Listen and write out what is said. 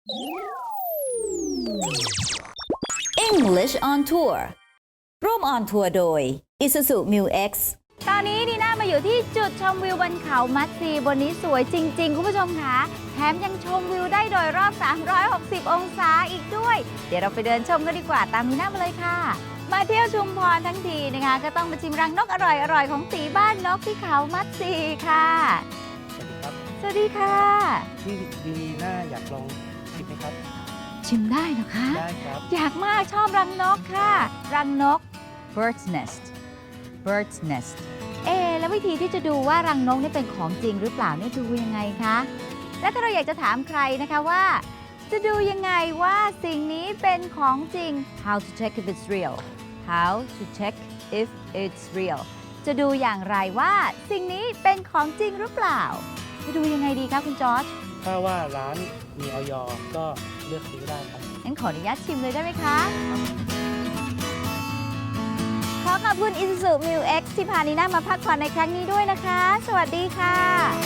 English on Tour ร่วมออนทัวร์โดย Isuzu Mu X ตอนนี้ดีน่ามาอยู่ที่จุดชมวิวบนเขามัดซีบนนี้สวยจริงๆคุณผู้ชมคะแถมยังชมวิวได้โดยรอบ 360 องศาอีกด้วยเดี๋ยวเราไปเดินชมกันดีกว่าตามดีน่ามาเลยค่ะมาเที่ยวชุมพรทั้งทีนะคะก็ต้องมาชิมรังนกอร่อยๆของตีบ้านนกที่เขามัดซีค่ะสวัสดีค่ะพี่ดีน่าอยากลองชิมไหมครับชิมได้เหรอคะได้ครับอยากมากชอบรังนกค่ะรังนก bird's nest bird's nest แล้ววิธีที่จะดูว่ารังนกนี่เป็นของจริงหรือเปล่าเนี่ยดูยังไงคะและถ้าเราอยากจะถามใครนะคะว่าจะดูยังไงว่าสิ่งนี้เป็นของจริง how to check if it's real how to check if it's real จะดูอย่างไรว่าสิ่งนี้เป็นของจริงหรือเปล่าจะดูยังไงดีคะคุณจอร์จถ้าว่าร้านมีอย.ก็เลือกซื้อได้ครับงั้นขออนุญาตชิมเลยได้ไหมคะขอขอบคุณ Isuzu Mu X ที่พานีน่ามาพักผ่อนในครั้งนี้ด้วยนะคะสวัสดีค่ะ